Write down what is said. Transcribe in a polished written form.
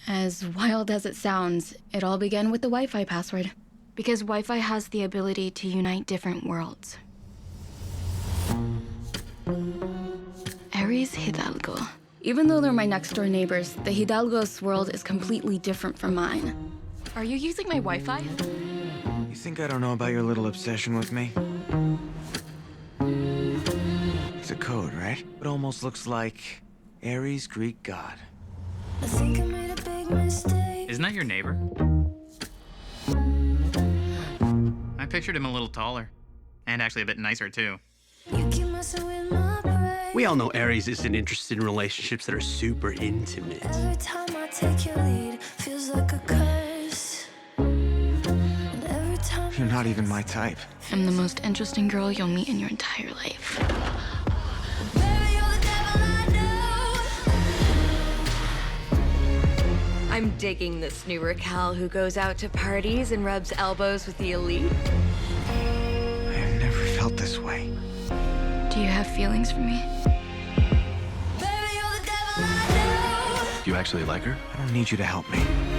As wild as it sounds, it all began with the Wi-Fi password. Because Wi-Fi has the ability to unite different worlds. Ares Hidalgo. Even though they're my next-door neighbors, the Hidalgo's world is completely different from mine. Are you using my Wi-Fi? You think I don't know about your little obsession with me? It's a code, right? It almost looks like Ares, Greek god. I think I made a big mistake. Isn't that your neighbor? I pictured him a little taller. And actually a bit nicer, too. You keep messing with my brain. We all know Ares isn't interested in relationships that are super intimate. Every time I take your lead, feels like a curse. And every time You're not even my type. I'm the most interesting girl you'll meet in your entire life. Baby, you're the devil I know. I'm digging this new Raquel who goes out to parties and rubs elbows with the elite. I have never felt this way. Do you have feelings for me? Baby, you're the devil I know. Do you actually like her? I don't need you to help me.